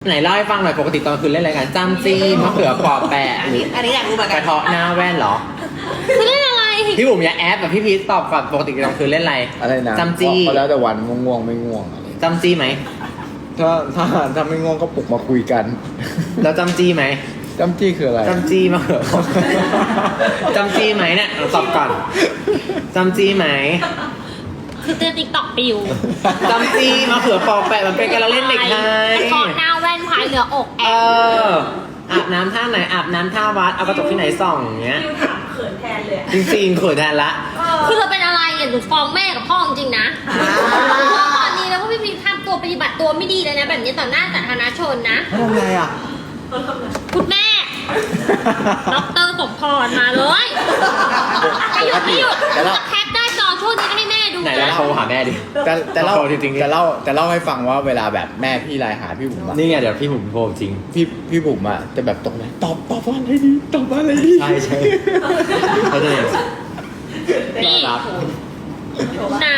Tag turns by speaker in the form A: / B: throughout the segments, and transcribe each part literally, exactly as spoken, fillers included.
A: ไหนเล่าให้ฟังหน่อยปกติตอนคืนเล่นอะไรกันจ้ำจี้มะเขือปอแปะ
B: อันนี้อันนี้อยากรู้เหมือน
A: ก
B: กัน
A: ระเทาะหน้าแว่นเหรอ
C: คือเล่นอะไร
A: พี่บุ๋มอย่าแอปแบบพี่พีทตอบก่อนปกติตอนคืนเล่นอะไร
D: อะไรนะ
A: จ้ำจี้
D: ก็แล้วแต่วันง่วงๆไม่ง่วงอะไร
A: จ้ำจี้ไหม
D: ถ้าถ้าถ้าไม่ง่วงก็ปลุกมาคุยกัน
A: แล้วจ้ำจี้ไหม
D: จำจี้คืออะไร
A: จ้ำจี้มะเขือปอแปะจ้ำจี้ไหมเนี่ยเราตอบก่อนจ้ำจี้ไหม
C: คือเตือนติ๊กต็อกปิว
A: จ้ำจี้มะเขือปอแปะมันเป็นการละเล่นเด็กไทย
C: กระเทาะหน้าแว่นพายเหลืออกแอ
A: เอบ ออาบน้ำท่าไหนอาบน้ำท่าวัดเอากระจกที่ไหนส่องอย่างเงี้ย
B: ฟิวถามเขินแทนเลยอะ
A: จริงๆเขินแทนละ
C: คือเราเป็นอะไรอ่ะหนูฟ้องแม่กับพ่อจริงๆนะเพราะตอนนี้แล้วก็พี่พีทำตัวปฏิบัติตัวไม่ดีเลยนะ แบบนี้ต่อหน้าสาธารณชนนะ
A: ทำไงอ่ะ
C: คุณแม่ด็อกเตอร์สมพรมาเลยไม่หยุดไม่หยุด
D: แต่เรา
C: จะแคปได้จอช่วงนี้ก็ให้แม่ดู
A: ไหนเรา
C: นะ
A: โทรหาแม่ดิ
D: แต่แต่เล่า
A: ขอจริงๆ
D: แต่เล่าแต่เล่าให้ฟังว่าเวลาแบบแม่พี่ไลน์หาพี่บุ๋มอะ
A: นี่ไงเดี๋ยวพี่ผมโทรจริง
D: พี่พี่บุ๋มอะจะแบบตกใจตอบตอบว่าอะไรดีตอบว่าอะไรดี
A: ใช่ใช่เขาจะอย่าง
C: นี่
A: รับ
C: นะ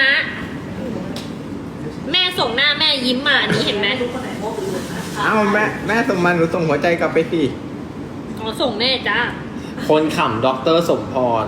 C: แม่ส่งหน้าแม่ยิ้มมาอันนี้เห็นไหม
D: เอ้าแม่แม่ส่งมาหนูส่งหัวใจกลับไปสิ
C: อ๋อส่งแม่จ้า
A: คนขำด็อกเตอร์สมพร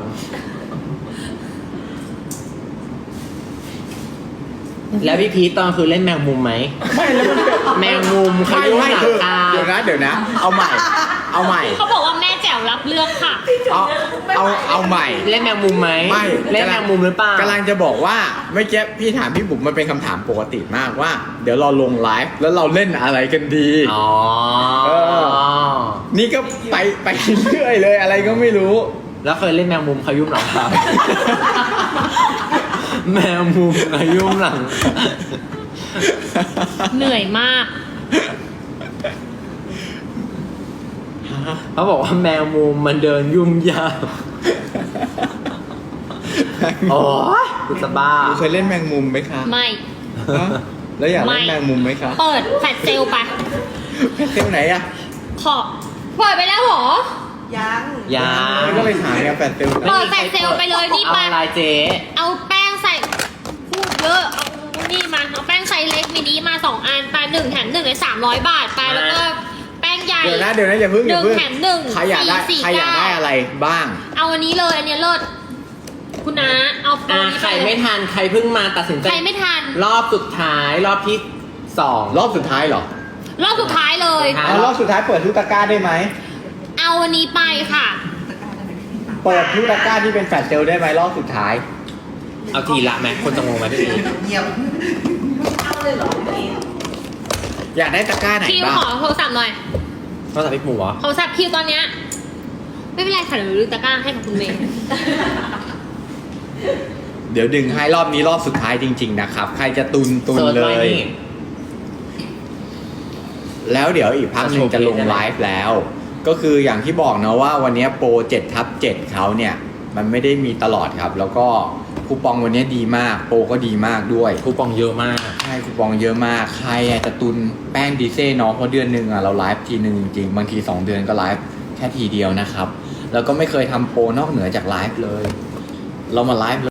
A: แล้วพี่พีทตอนคือเล่นแมงมุมไหม
D: ไม่แล้วมันเป็น
A: แมงมุมข
D: ไม่
A: ยุ่ม
D: ไม่
A: หลัง
D: คือ
A: คา
D: เดี๋ยวนะเดี๋ยวนะ เอาใหม่ เอาใหม่
C: เขาบอกว่าแม่แจ๋วรับเลือกค่ะ
D: เอาเอาเอาใหม่
A: เล่นแมงมุมไหม
D: ไม่
A: เล่นแมงมุมหรือเปล่าก
D: ำลังจะบอกว่าเมื่อกี้พี่ถามพี่บุ๋มมันเป็นคำถามปกติมากว่า เดี๋ยวเราลงไลฟ์แล้วเราเล่นอะไรกันดี
A: อ๋อ
D: เออ นี่ก็ไปไปเรื่อยเลยอะไรก็ไม่รู้
A: แล้วเคยเล่นแมงมุมขยุ่มหลังคา แมงมุมขยุ่มหลัง
C: เหนื่อยมาก
A: เขาบอกว่าแมงมุมมันเดินยุ่งยากโอ้ยกูจะบ้า
D: หนูเคยเล่นแมงมุมไหมคะ
C: ไม่
D: ฮะแล้วอยากเล่น
C: ไม่
D: แมงมุมไหมคะ
C: เปิดแฟลชเซลไป
D: เที่ยวไหนอะ
C: ขอเปิดไปแล้วเหรอ
B: ยัง
A: ยา
D: ก็ไปถามเนี่ยแปดเที่ยวไหน
C: เปิดแฟลชเซลไปเลยนี่
A: เอา
C: ไป
A: อะไรเจ๊
C: เอาแป้งใส่พูดเยอะเอานี่มาเอาแป้งไซส์เล็กมินิมาสองอันไปหนึ่งแถมหนึ่งเลยสามร้อยบาทไปแล้วก็แป้งใหญ่
D: เดี๋ยวนะเดี๋ยวนะอย่าเพิ่งอย่าเพิ่ง
C: หนึ่งแถมหนึ่ง
D: ใครอยากได้
C: สี่
D: ใครอยาก
C: เก้า
D: ได้อะไรบ้าง
C: เอาอันนี้เลยอันเนี้ยเลิศคุณน้าเอาโปร
A: อ่ะ
C: นี้
A: ใคร
C: ไปเล
A: ไม่
C: ย
A: ทันใครเพิ่งมาตัดสินใจ
C: ใครไม่ทัน
A: รอบสุดท้ายรอบที่สอง
D: รอบสุดท้ายเหรอ
C: รอบสุดท้ายเลย
A: ครับ
D: เอารอบสุดท้ายเปิดทุกตะกร้าได้ไหม
C: เอาอันนี้ไปค่ะ
D: เปิดทุกตะกร้าที่เป็นแฟลชเซลได้ไหมรอบสุดท้าย
A: เอาทีละไหมคนจะงงไหมพี่พี
B: เงียบเอาเลยเหรอพี่
D: อยากได้ตะกร้าไหน
C: คิว
D: บ้าง
C: ขอโทรศัพท์หน่อย
A: นอกจากพี่หมูเหรอ
C: โทรศัพท์คิวตอนเนี้ยไม่เป็นไรค่ะเดี๋ยวลืมตะกร้าให้กับคุณเมย์
D: เดี๋ยวดึงให้รอบนี้รอบสุดท้ายจริง ๆ นะครับ ใครจะตุนตุน
A: เสิร์ช
D: เล
A: ไว้
D: ย
A: นี่
D: แล้วเดี๋ยวอีกพักหนึ่งจะลงไลฟ์แล้ว ก็คืออย่างที่บอกนะว่าวันนี้โปรเจ็ดทับเจ็ดเขาเนี่ย มันไม่ได้มีตลอดครับ แล้วก็คูปองวันนี้ดีมาก โปรก็ดีมากด้วย
A: คูปองเยอะมาก
D: ใช่คูปองเยอะมาก ใครอยากจะตุนแป้งดีเซ่เนาะเพราะเดือนหนึ่งอะเราไลฟ์ทีหนึ่งจริงๆ บางทีสองเดือนก็ไลฟ์แค่ทีเดียวนะครับ แล้วก็ไม่เคยทำโปรนอกเหนือจากไลฟ์เลย เรามาไลฟ์